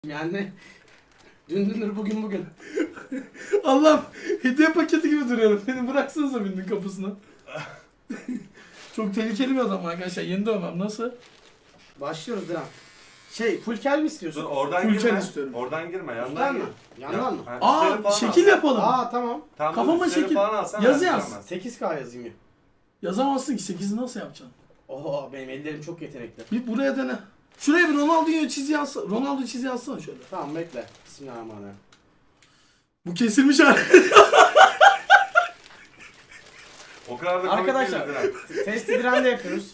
Yani dündür bugün. Allah'ım hediye paketi gibi duruyorum. Beni bıraksanıza bindin kapısına. Çok tehlikeli bir adam arkadaşlar. Yeni dövmem nasıl? Başlıyoruz Dilan. Full kel mi istiyorsun? Dur oradan Full girme. istiyorum. Oradan girme. Üstten Yandan mi? gir. Yandan mı? Ha, Aa üstleri falan şekil al. yapalım. Aa tamam. Tamam, Kafama üstleri şekil. falan alsana, Yazı ben yaz. giremem. 8K yazayım ya. Yazamazsın ki 8'i nasıl yapacaksın? Oho benim ellerim çok yetenekli. Bir buraya dene. Şuraya bir Ronaldo'yu çizi yazsana. Ronaldo çizi yazsana şöyle. Tamam bekle. Bismillahirrahmanirrahim. Bu kesilmiş hali. O kadar da komik Arkadaşlar değildir ha. testi Diren'de yapıyoruz.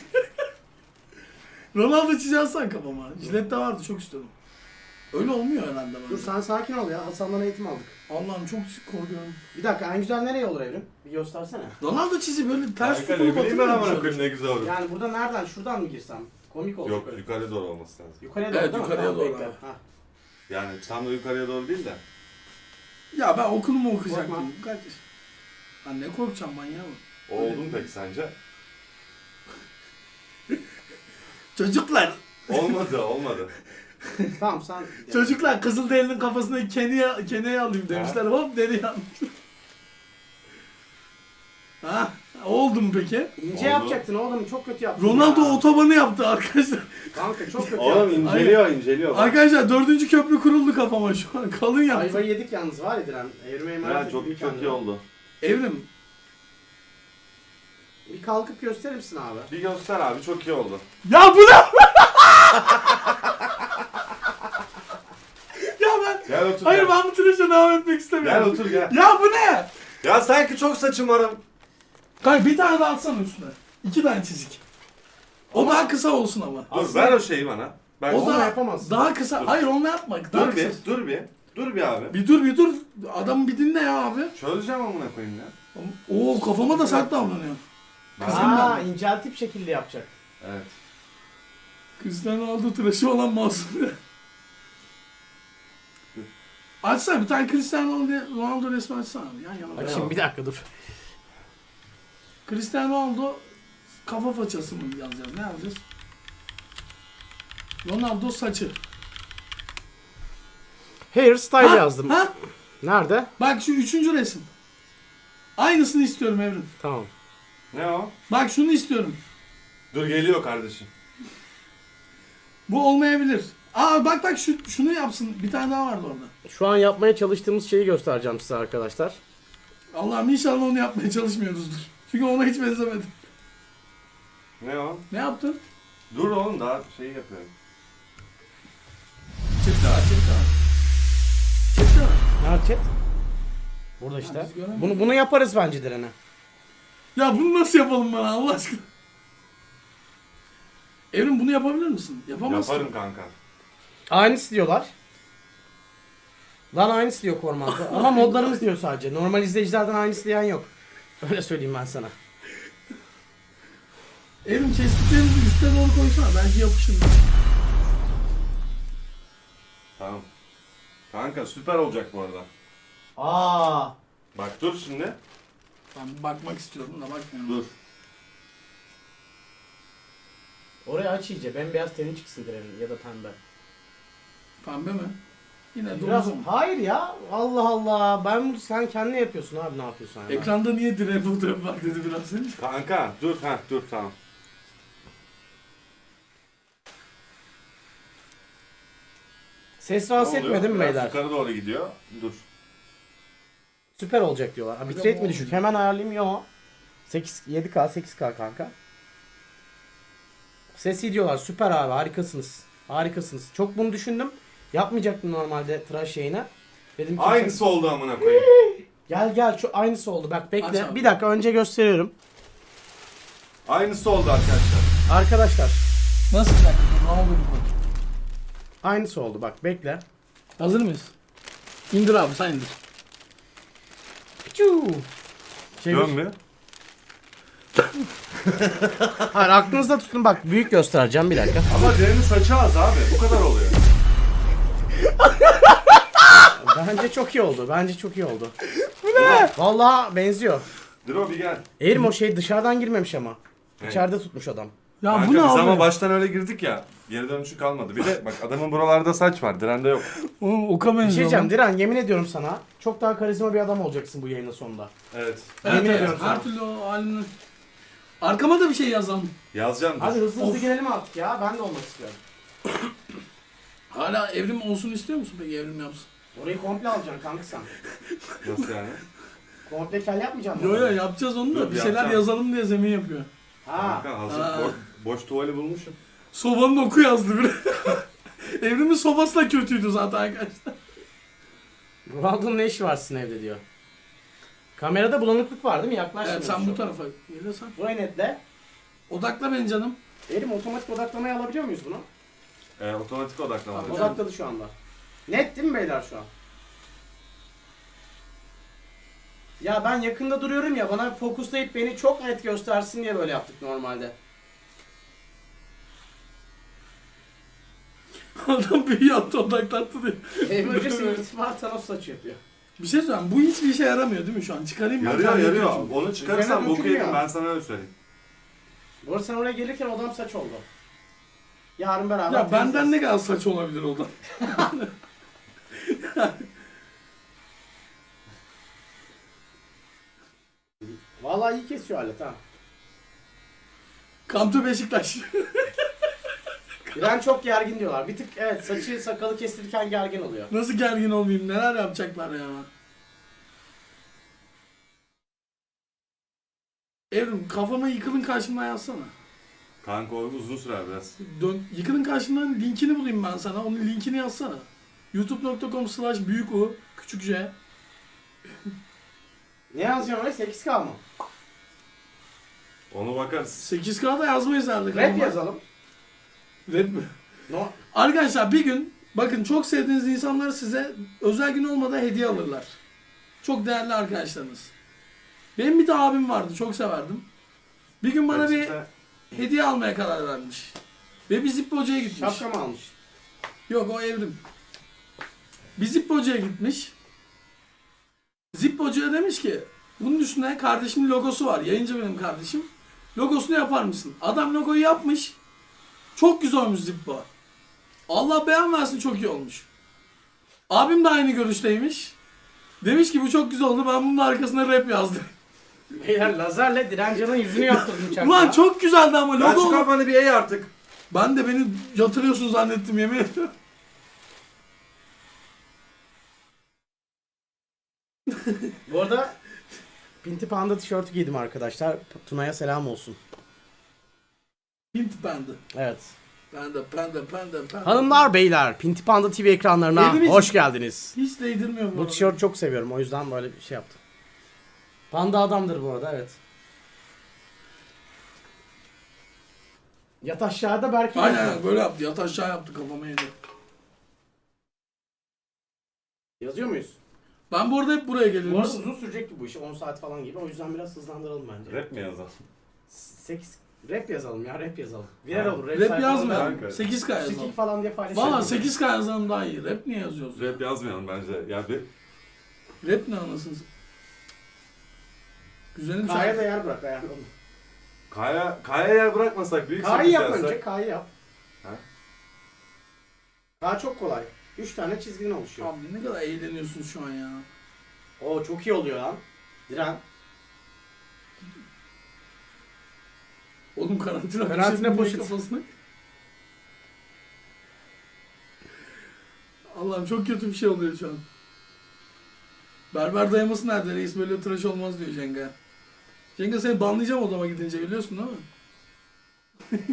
Ronaldo çizi yazsana kafama. Jilet de vardı çok istedim. Öyle olmuyor herhalde bana. Dur sen sakin ol ya. Hasan'dan eğitim aldık. Allah'ım çok korkuyorum. Bir dakika en güzel nereye olur Evrim? Bir göstersene. Ronaldo çizi böyle ters Harika, tutulup ne bileyim ben atılıyor amına mu koyayım ne güzel olur. Yani burada nereden? Şuradan mı girsem? Komik olur. Yok böyle. yukarı doğru olması lazım. Yukarıya doğru Evet, değil mi? yukarıya Tamam, doğru bekle. abi. Hah. Yani tam da yukarıya doğru değil de. Ya ben okulumu Korkma. okuyacaktım. Kaç? Lan ne korkacağım manyağı mı? Oldu mu peki sence? Çocuklar. Olmadı. Tamam sen... Çocuklar Kızılderili'nin kafasına Kene'yi alayım demişler. Hop deri yanmış. Ha? Oldu mu peki? İnce Oldu. yapacaktın oğlum çok kötü yaptın Ronaldo ya. otobanı yaptı arkadaşlar. Kanka çok kötü Oğlum yaptın. inceliyor. Arkadaşlar 4. köprü kuruldu kafama şu an. Kalın yaptı. Ayvayı yedik yalnız var ya Diren. Evrime emanet Ya ettim çok kendine. iyi oldu. Evrim. Bir kalkıp gösterir misin abi? Bir göster abi çok iyi oldu. Ya bu ne? Ya ben... Gel otur Hayır gel. ben bu tıraşa devam etmek istemiyorum. Gel otur gel. Ya bu ne? Ya sanki çok saçım varım. Kanka bir tane daha atsana üstüne. 2 tane çizik. O daha kısa olsun ama. Dur Aslında- ver o şeyi bana. Ben O Onu da yapamazsın. daha kısa. Dur. Hayır onunla yapma. Daha dur bir, kısa. dur bir abi. Bir dur. Adamı bir dinle ya abi. Çözeceğim amına koyayım ya. Oo kafama da sert davranıyor. Kızım Aa ben. inceltip şekilde yapacak. Evet. Cristiano Ronaldo tıraşı olan masum. Açsana bir tane Cristiano Ronaldo resmi açsana. Yan yana. Bak Ne şimdi o? bir dakika dur. Cristiano Ronaldo kafa façası mı yazacağız? Ne yazacağız? Ronaldo saçı. Hairstyle Ha? yazdım. Ha? Nerede? Bak şu 3. resim. Aynısını istiyorum Evrim. Tamam. Ne o? Bak şunu istiyorum. Dur geliyor kardeşim. Bu olmayabilir. Aa bak şunu yapsın. Bir tane daha vardı orada. Şu an yapmaya çalıştığımız şeyi göstereceğim size arkadaşlar. Allah'ım inşallah onu yapmaya çalışmıyoruzdur. Çünkü ona hiç benzemedim. Ne o? Ne yaptın? Dur oğlum daha şeyi yapıyorum. Çekti var. Çekti var. Nerede chat? Burada işte. biz göremedik. Bunu yaparız bence Diren'e. Ya bunu nasıl yapalım bana Allah aşkına? Evrim bunu yapabilir misin? Yapamazsın. Yaparım kanka. Aynısı diyorlar. Lan aynısı diyor Korman'da. Ama modlarımız diyor sadece. Normal izleyicilerden aynısı diyen yok. Öyle söyleyeyim ben sana. Evrim kestiklerimizi üste doğru koysana. Belki yapışır. Tamam. Kanka süper olacak bu arada. Aa. Bak dur şimdi. Ben bakmak istiyorum da bakmıyorum. Dur. Orayı aç iyice. Bembeyaz teni çıksın Diren'in ya da pembe. Pembe mi? Yine Biraz... doğru mu? Hayır ya. Allah Allah. Ben bunu sen kendin yapıyorsun abi ne yapıyorsun yani. Ekranda niye direğe fotoğraf var dedi biraz önce. Kanka dur tamam. Ses Ne rahatsız oluyor? etmedi mi Biraz beyler? yukarı doğru gidiyor. Dur. Süper olacak diyorlar. Ha, bitrate mi düşük? Hemen ayarlayayım. Yo. 7K 8K kanka. Ses iyi diyorlar. Süper abi. Harikasınız. Harikasınız. Çok bunu düşündüm. Yapmayacaktım normalde tıraş yayına. Dedim ki Aynısı oldu amına koyayım. gel şu aynısı oldu. Bak Aç bekle. abi. Bir dakika önce gösteriyorum. Aynısı oldu arkadaşlar. Arkadaşlar Nasıl bir dakika? Ne oldu bu? aynısı oldu. Bak bekle. Hazır mıyız? İndir abi sen indir. Piçu. Dön mü? Hayır aklınızda tutun bak büyük göstereceğim bir dakika. Ama Ceren'in saçı az abi. Bu kadar oluyor. Bence çok iyi oldu. Bence çok iyi oldu. Bu ne? Vallahi benziyor. Dro bir gel. Eğrim o şey dışarıdan girmemiş ama. Ne? İçeride tutmuş adam. Ya Kanka bu ne biz abi? ama baştan öyle girdik ya. Geri dönüşü kalmadı. Bir de bak adamın buralarda saç var. Diren'de yok. Oğlum oka Bir şey benziyor. diyeceğim Diren, yemin ediyorum sana. Çok daha karizma bir adam olacaksın bu yayının sonunda. Evet. Evet, Yemin evet. ediyorum sana. Her türlü o halini. Arkama da bir şey yazalım. Yazacağım dur. Hadi hızlı hızlı Of. girelim artık ya. Ben de olmak istiyorum. Hala evrim olsun istiyor musun peki, evrim yapsın? Orayı komple alacaksın kanka sen. Nasıl yani? Komple kel yapmayacaksın mı? Yo yo yapacağız onu da Dur, bir şeyler yapacağım. yazalım diye zemin yapıyor. Ha. Kanka hazır Ha. boş tuvali bulmuşum. Sobanın oku yazdı biri. Evrimin sobası da kötüydü zaten arkadaşlar. Ronaldo'nun ne işi var sizin evde diyor. Kamerada bulanıklık var değil mi? Yaklaş. Evet şimdi sen şu. bu tarafa gelirsen. Burayı netle. Odakla beni canım. Elim otomatik odaklamayı alabiliyor muyuz bunu? Otomatik odaklama. Tamam. Odakladı şu anda. Net değil mi beyler şu an? Ya ben yakında duruyorum ya, bana fokuslayıp beni çok net göstersin diye böyle yaptık normalde. Adam büyü yaptı, odaklattı diye. Emergency irtifa Thanos saçı yapıyor. Bir şey söyleyeyim, bu hiçbir işe yaramıyor değil mi şu an? Çıkarayım mı? Yarıyor Kendi yarıyor. yapıyorum. Onu çıkarırsan Üzerine boku dökülmüyor. yedim, ben sana öyle söyleyeyim. Bu arada sen oraya gelirken odam saç oldu. Yarın beraber Ya benden temizleriz. ne kadar saç olabilir o da? Vallahi iyi kesiyor alet ha. Come to Beşiktaş. İran çok gergin diyorlar. Bir tık evet, saçı sakalı kestirirken gergin oluyor. Nasıl gergin olmayayım? Neler yapacaklar ya? Evrim kafama yıkılın karşımdan yazsana. Kanka o uzun sürer biraz. Yıkılın karşımdan linkini bulayım ben sana. Onun linkini yazsana. youtube.com/büyük küçük J. Ne yazacağım oraya? 8K mı? Onu bakarız. 8K'da yazmayız herhalde. Rap kafama. yazalım. Rap mi? No. Arkadaşlar bir gün bakın, çok sevdiğiniz insanlar size özel gün olmadan hediye alırlar. Çok değerli arkadaşlarınız. Benim bir de abim vardı, çok severdim. Bir gün bana bir hediye almaya karar vermiş. Ve bir Zippo'cuya gitmiş. Şapka mı almış? Yok, o evrim. Bir Zippo'cuya gitmiş. Zippo'cuya demiş ki bunun üstüne kardeşimin logosu var. Yayıncı benim kardeşim. Logosunu yapar mısın? Adam logoyu yapmış. Çok güzel olmuş Zippo. Allah beğen versin, çok iyi olmuş. Abim de aynı görüşteymiş. Demiş ki bu çok güzel oldu, ben bunun arkasına rap yazdım. Beyler lazerle Direncan'ın yüzünü yaptırdım uçakta. Ulan çok güzeldi ama Lan logo. şu kafanı bir eğ artık. Ben de beni yatırıyorsun zannettim, yemin ediyorum. Bu arada Pinti Panda tişörtü giydim arkadaşlar. Tuna'ya selam olsun. Hint bandı. Evet. Panda. Hanımlar beyler, Pinti Panda TV ekranlarına Evimiz- hoş geldiniz. Hiç değdirmiyor Bu tişörtü çok seviyorum, o yüzden böyle bir şey yaptım. Panda adamdır bu arada, evet. Yat aşağıda Berke. Aynen böyle yaptı. Yat aşağı yaptı, kafama yedi. Yazıyor muyuz? Ben bu arada hep buraya Bu geliyorum. arada uzun sürecekti bu iş, 10 saat falan gibi. O yüzden biraz hızlandıralım bence. Rap mi yazalım? 8 rap yazalım ya, rap yazalım. Viral Ha. olur. Rap sayfalarında yazmayalım. Kanka. 8K yazalım. Sikik falan diye paylaşalım. Valla 8K yazalım daha iyi. Rap niye yazıyoruz? Rap yazmayalım bence. Ya bir Rap ne anasını? Güzelim K'ya da şarkı. yer bırak ayarlı. Kaya yer bırakmasak büyük K'yı yap yapsak. önce, K'yı yap. Ha? K çok kolay. 3 tane çizgiden oluşuyor. Abi ne kadar eğleniyorsun şu an ya. Oo çok iyi oluyor lan. Diren. Oğlum karantina Karantina poşeti poşeti. kafasına. Allah'ım çok kötü bir şey oluyor şu an. Berber dayaması nerede? Reis böyle tıraş olmaz diyor Cenga. Cenga seni banlayacağım odama gidince, biliyorsun değil mi?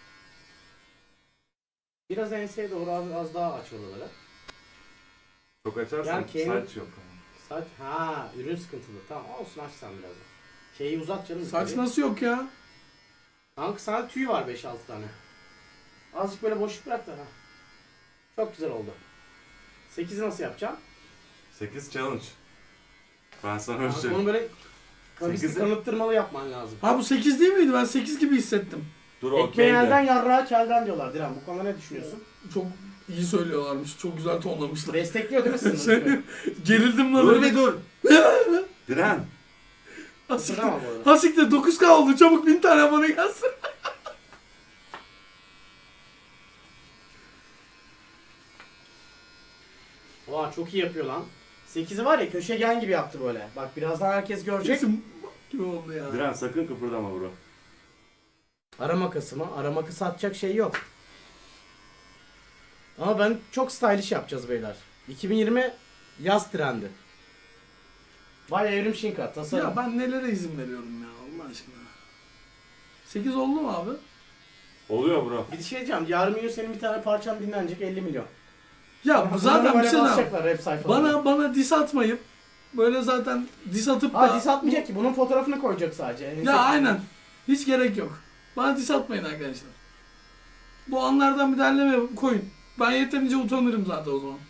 Biraz enseye doğru az daha aç oraları. Çok açarsan Yani K'nin- saç yok. Saç, ha ürün sıkıntılı. Tamam olsun, aç sen biraz. K'yi uzat canım. Saç yukarı. nasıl yok ya? Kanka sana tüy var 5-6 tane. Azıcık böyle boşluk bırak da ha. Çok güzel oldu. 8'i nasıl yapacağım? 8 challenge. Ben sana öyle Kanka söyleyeyim. onu böyle kavisli 8'i kanıttırmalı yapman lazım. Ha bu 8 değil miydi? Ben 8 gibi hissettim. Dur Ekmeği okey elden de. yarrağı kelden diyorlar. Diren bu konuda ne düşünüyorsun? Çok iyi söylüyorlarmış. Çok güzel tonlamışlar. Destekliyor değil mi sınırı? Gerildim lan. Dur öyle. bir dur. Diren. Hasiktir. Tamam bu arada. Hasiktir 9K oldu. Çabuk 1000 tane bana gelsin. Oha çok iyi yapıyor lan. 8'i var ya köşegen gibi yaptı böyle. Bak birazdan herkes görecek. Kesin gibi oldu ya. Diren sakın kıpırdama bro. Ara makası mı? Ara makası atacak şey yok. Ama ben çok stylish yapacağız beyler. 2020 yaz trendi. Vay Evrim Şinka tasarım. Ya ben nelere izin veriyorum ya Allah aşkına. 8 oldu mu abi? Oluyor bro. Bir şey diyeceğim. Yarın bir gün senin bir tane parçan dinlenecek 50 milyon. Ya bu zaten bir Böyle şey daha. basacaklar hep sayfalarına. Bana dis atmayıp böyle zaten dis atıp da... Ha dis atmayacak ki. Bunun fotoğrafını koyacak sadece. Ya aynen. Hiç gerek yok. Bana dis atmayın arkadaşlar. Bu anlardan bir derleme koyun. Ben yeterince utanırım zaten o zaman.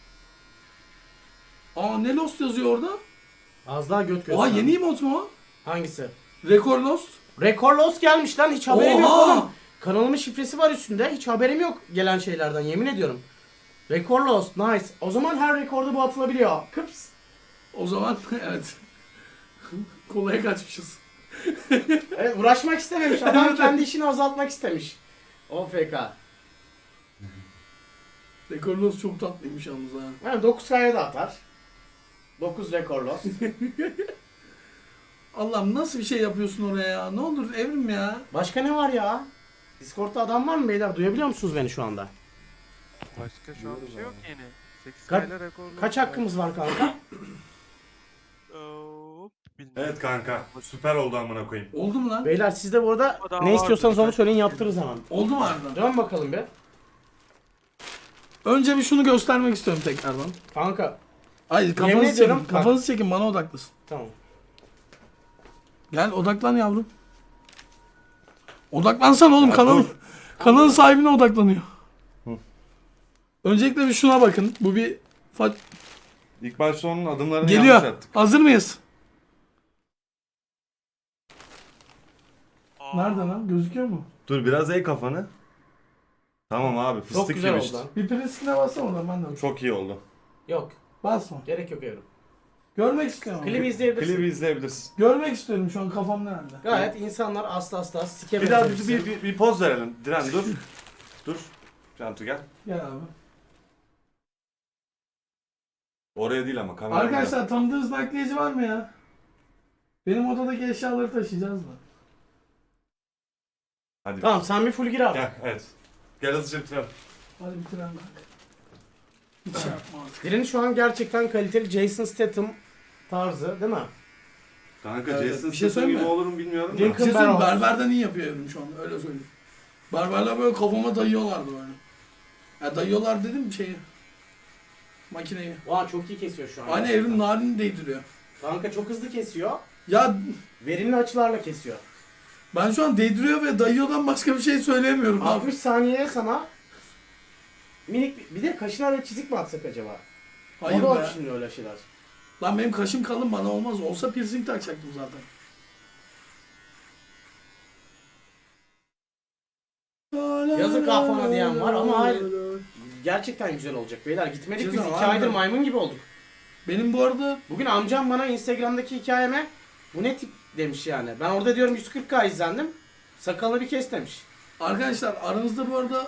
Aa ne Lost yazıyor orada? Az daha göt göz. Oha yeni emot mu o? Hangisi? Rekor Lost. Rekor Lost gelmiş lan. Hiç haberim yok Oha! oğlum. Kanalımın şifresi var üstünde. Hiç haberim yok gelen şeylerden yemin ediyorum. Rekor Lost. Nice. O zaman her rekorda bu atılabiliyor. Kıps. O zaman evet. Kolaya kaçmışız. Evet, uğraşmak istememiş. Adam Evet. kendi işini azaltmak istemiş. OFK. Rekor Lost çok tatlıymış yalnız ha. Yani 9 kaya da atar. 9 rekor Lost. Allah'ım nasıl bir şey yapıyorsun oraya ya? Ne olur Evrim ya. Başka ne var ya? Discord'da adam var mı beyler? Duyabiliyor musunuz beni şu anda? Başka şu an bir şey yok yeni. 8 Ka- kayla rekorlu. Kaç hakkımız var kanka? Hop, bilmiyorum. Evet kanka. Süper oldu amına koyayım. Oldu mu lan? Beyler siz de bu arada O daha ne istiyorsanız vardır. onu söyleyin yaptırırız hemen. Oldu mu harbiden? Dön bakalım bir. Önce bir şunu göstermek istiyorum tekrardan. Kanka. Ay Yemin kafanızı ediyorum çekin. bak. Kafanızı çekin bana odaklasın. Tamam. Gel odaklan yavrum. Odaklansan oğlum Ya kanalın. dur. Kanalın sahibine odaklanıyor. Öncelikle bir şuna bakın. Bu bir İlk başta onun adımlarını geliyor. yanlış attık. Hazır mıyız? Aa, Nerede lan? Gözüküyor mu? Dur biraz eğ kafanı. Tamam abi fıstık Çok güzel gibi oldu işte. lan. Bir preskine bassana oradan ben de. Çok iyi oldu. Yok. Basma. Gerek yok Evrim. Görmek istiyorum. ama. Klibi izleyebilirsin. Klibi izleyebilirsin. Görmek istiyorum şu an kafam nerede? Gayet insanlar asla asla sike Bir daha benzemişsin. bir poz verelim. Diren dur. Dur. Cantu gel. Gel abi. Oraya değil ama kamera. Arkadaşlar tanıdığınız nakliyeci var mı ya? Benim odadaki eşyaları taşıyacağız da. Hadi. Tamam sen bir full gir abi. Gel evet. Gel hızlıca bitirelim. Hadi bitirelim bak. Hiç şey yapma artık. Diren'i şu an gerçekten kaliteli Jason Statham tarzı değil mi? Kanka Evet, Jason bir şey Statham gibi söyleyeyim mi? olur mu bilmiyorum Bir da. Lincoln şey söyleyeyim, Barrows. berberden iyi yapıyor evrim şu an öyle söyleyeyim. Berberler böyle kafama dayıyorlardı böyle. Ya dayıyorlar dedim şeyi. Makineyi. Vay çok iyi kesiyor şu an. Aynı evrim narini değdiriyor. Kanka çok hızlı kesiyor. Ya Verimli açılarla kesiyor. ben şu an değdiriyor ve dayıyordan başka bir şey söyleyemiyorum abi. 60 saniyeye sana minik bir de kaşına böyle çizik mi atsak acaba? Hayır o da be. var şimdi öyle şeyler. Lan benim kaşım kalın bana olmaz. Olsa piercing takacaktım zaten. Yazık kafana diyen var ama hayır. Gerçekten güzel olacak beyler. Gitmedik biz Güzel, 2 harbiden. aydır maymun gibi olduk. Benim bu arada Bugün amcam bana Instagram'daki hikayeme bu ne tip demiş yani. Ben orada diyorum 140K izlendim. Sakalını bir kes demiş. arkadaşlar aranızda bu arada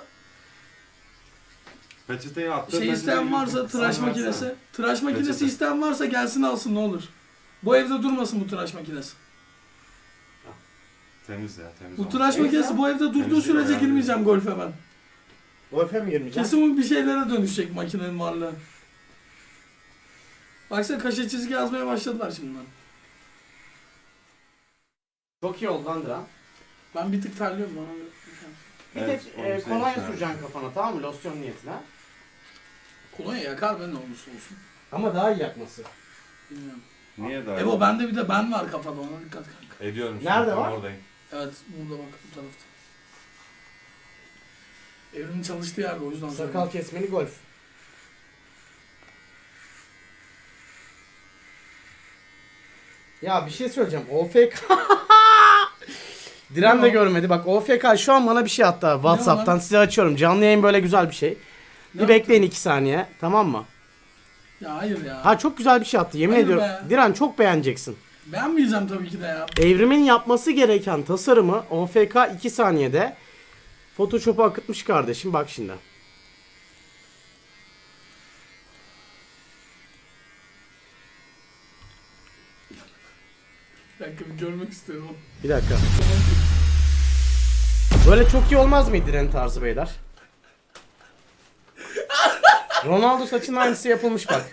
Peçeteyi attı. şey isteyen varsa tıraş Sen makinesi. versene. Tıraş makinesi Peçete. isteyen varsa gelsin alsın ne olur. Bu evde durmasın bu tıraş makinesi. Temiz ya temiz. Bu olmuş. tıraş Neyse. makinesi bu evde durduğu Temizliği sürece bayağı girmeyeceğim golfe ben. Golfe mi girmeyeceğim? Kesin bu bir şeylere dönüşecek makinenin varlığı. Baksana kaşe çizgi yazmaya başladılar şimdiden. Çok iyi oldu lan Diren. Ben bir tık terliyorum bana. Bir Evet, tek onu senin kolonya için süreceksin kafana tamam mı? Losyon niyetine. Kolonya yakar be ne olursa olsun. Ama daha iyi yakması. Bilmiyorum. Niye daha? Ebo bende bir de ben var kafada ona dikkat kanka. Ediyorum. Nerede tam var? Oradayım. Evet burada bak bu tarafta. Evrimin çalıştığı yerde o yüzden Sakal söylüyorum. kesmeli golf. Ya bir şey söyleyeceğim. OFK. Diren de Ne o? görmedi. Bak OFK şu an bana bir şey attı abi. WhatsApp'tan lan? size açıyorum. Canlı yayın böyle güzel bir şey. Ne Bir bekleyin 2 saniye. Tamam mı? Ya hayır ya. Ha çok güzel bir şey attı. Yemin Hayır ediyorum. be. Diren çok beğeneceksin. Beğenmeyeceğim tabii ki de ya. Evrimin yapması gereken tasarımı OFK 2 saniyede Photoshop'a akıtmış kardeşim. Bak şimdi. Bir dakika bir görmek istiyorum onu. Bir dakika. Böyle çok iyi olmaz mıydı Diren tarzı beyler? Ronaldo saçının aynısı yapılmış bak.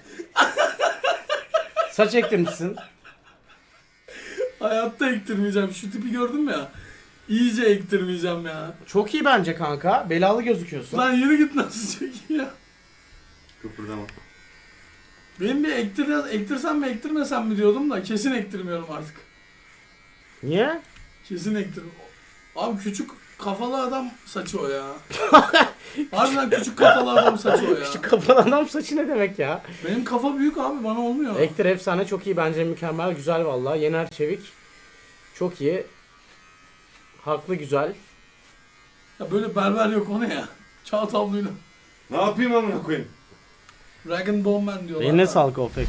Saç ektirmişsin. Hayatta ektirmeyeceğim. Şu tipi gördün mü ya? İyice ektirmeyeceğim ya. Çok iyi bence kanka. Belalı gözüküyorsun. Lan yürü git nasıl çok iyi ya. Kıpırdama. Benim bir ektirsem mi ektirmesem mi diyordum da kesin ektirmiyorum artık. Niye? Kesin ektirmiyorum. Abi küçük kafalı adam saçı o ya. Harbiden küçük kafalı adam saçı o ya. Küçük kafalı adam saçı ne demek ya? Benim kafa büyük abi bana olmuyor. Ektir efsane, çok iyi bence, mükemmel, güzel vallahi. Yener Çevik. Çok iyi. Haklı, güzel. Ya böyle berber yok o ne ya? Çağ tabluyla. Ne yapayım amına koyayım? Dragon Ball Man diyorlar. Eline sağlık OFK.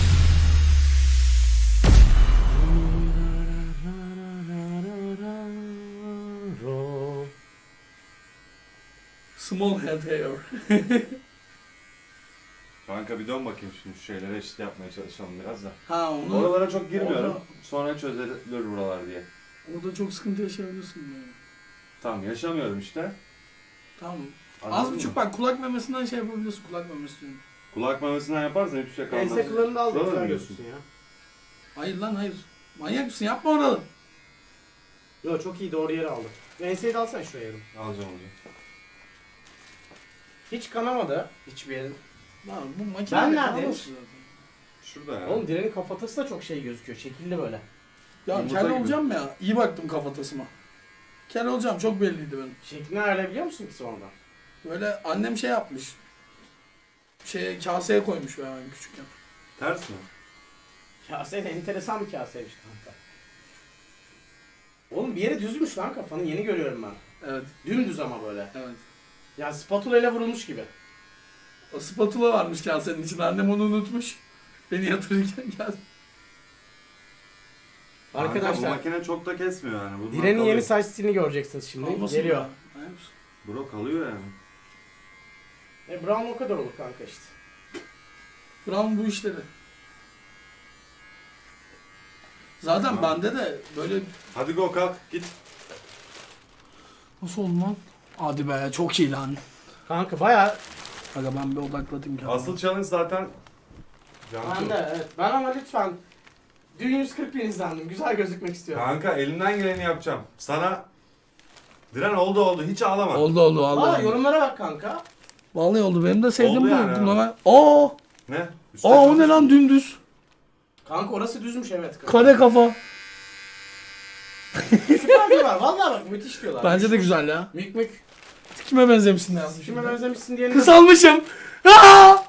Small head hair. Kanka bir dön bakayım şimdi şu şeylere eşit yapmaya çalışalım biraz da. Ha onu. Oralara çok girmiyorum. Orada- Sonra çözülür buralar diye. Orada çok sıkıntı yaşayabilirsin yani. Tamam yaşamıyorum işte. Tamam. Anladın Az mı? buçuk bak kulak memesinden şey yapabilirsin. Kulak memesi diyorum. Kulak memesinden yaparsan hiçbir şey kalmaz. Ense kıllarını da al, Buralar güzel mı gözüksün ya. Hayır lan hayır. Manyak mısın? Yapma oralı. Yo, çok iyi, doğru yere aldı. Enseyi de alsana şuraya yarım. Alacağım hocam. Hiç kanamadı hiçbir yerin. Lan bu makine Ben de neredeyim? kalmış zaten. Şurada ya. Oğlum Diren'in kafatası da çok şey gözüküyor. Şekilli böyle. Ya Yumurta kel gibi. olacağım ya. İyi baktım kafatasıma. Kel olacağım çok belliydi benim. Şeklini ayarlayabiliyor musun ki sonradan? Böyle annem şey yapmış. Kaseye koymuş ben küçükken. Ters mi? Kase de enteresan bir kaseymiş kanka. Oğlum bir yere düzmüş lan kafanı, yeni görüyorum ben. Evet. Dümdüz ama böyle. Evet. Ya spatula ile vurulmuş gibi. O spatula varmış kasenin içinde. Annem onu unutmuş. Beni yatırırken geldi. Kanka, bu Arkadaşlar makine çok da kesmiyor yani. Bunlar Diren'in kalıyor. yeni saç stilini göreceksiniz şimdi. Olmasın Geliyor. ya. Hayır. Bro kalıyor yani. Brown o kadar olur kanka işte. Brown bu işleri. Zaten Tamam. bende de böyle... Hadi go kalk git. Nasıl oldu lan? Hadi be çok iyi lan. Kanka bayağı Aga ben bir odaklatayım kendimi. Asıl challenge zaten ben de evet. Ben ama lütfen dün 140 bin izlendim. Güzel gözükmek istiyorum. Kanka elimden geleni yapacağım. Sana Diren oldu hiç ağlama. Oldu Valla vallahi. yorumlara bak kanka. Vallahi oldu. Benim de sevdiğim Oldu bu. yani, Buna evet. ben... Aa! Ne? Üstte Aa o ne çalış. şey. lan dümdüz. Kanka orası düzmüş evet. Kare kafa. Süper diyorlar. Valla bak müthiş diyorlar. Bence de güzel ya. Mük mük. Kime benzemişsin yazmış. Kime benzemişsin diyelim. Kısalmışım. Aa!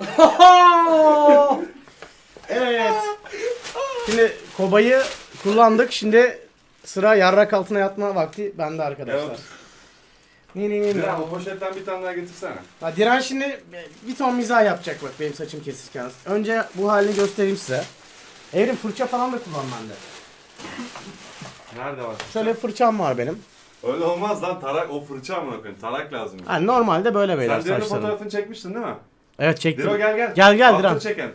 Evet. Şimdi kobayı kullandık. Şimdi sıra yarrak altına yatma vakti bende arkadaşlar. Evet. Ne. Diren o poşetten bir tane daha getirsene. Ha, Diren şimdi bir ton mizah yapacak bak benim saçım kesirken. Önce bu halini göstereyim size. Evrim fırça falan da kullan bende. Nerede var? Şöyle fırçam var benim. Öyle olmaz lan tarak o fırça mı bakın tarak lazım. Ha, normalde böyle beyler Sen Diren'in saçlarım. fotoğrafını çekmiştin değil mi? Evet çektim. Diro gel. Gel Altını Diren. çeken.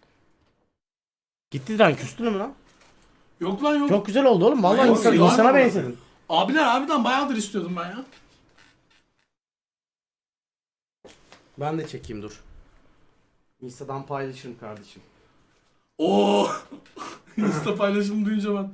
Gitti Diren, küstün mü lan? Yok lan yok. Çok güzel oldu oğlum. Vallahi Yok, insana, yok. insana benzedin. Abiler abiden bayağıdır istiyordum ben ya. Ben de çekeyim dur. Insta'dan paylaşırım kardeşim. Oo. Insta paylaşımı duyunca ben.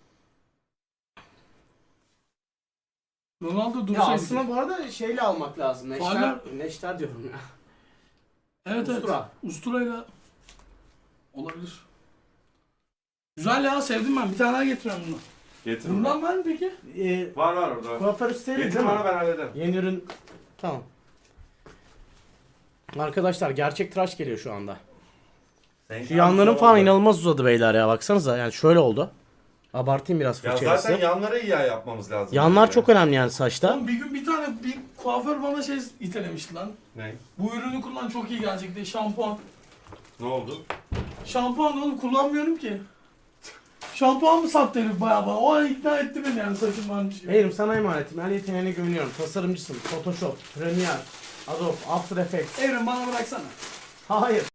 Ronaldo Ya dursaydı. aslında bu arada şeyle almak lazım. Neşter, Fauller- neşter diyorum ya. Evet Ustura. evet. Usturayla olabilir. Güzel ya sevdim ben. Bir tane daha getiriyorum bunu. Getir. Bundan var mı peki? Var orada. Kuaför üstleri Getir değil mi? bana ben hallederim. Yeni ürün. Tamam. Arkadaşlar gerçek tıraş geliyor şu anda. Şu yanların falan inanılmaz uzadı beyler ya, baksanıza yani şöyle oldu. Abartayım biraz Ya fırçayla zaten size. yanları iyi yapmamız lazım. Yanlar bence. çok önemli yani saçta. Oğlum bir gün bir tane bir kuaför bana şey itelemişti lan. Ne? Bu ürünü kullan çok iyi gelecek diye şampuan. Ne oldu? Şampuan oğlum kullanmıyorum ki. Şampuan mı sattı herif bayağı bana? O an ikna etti beni yani saçım varmış gibi. Hayırım sana emanetim. Her yeteneğine güveniyorum. Tasarımcısın. Photoshop, Premiere, Adobe, After Effects. Evren bana bıraksana. Hayır.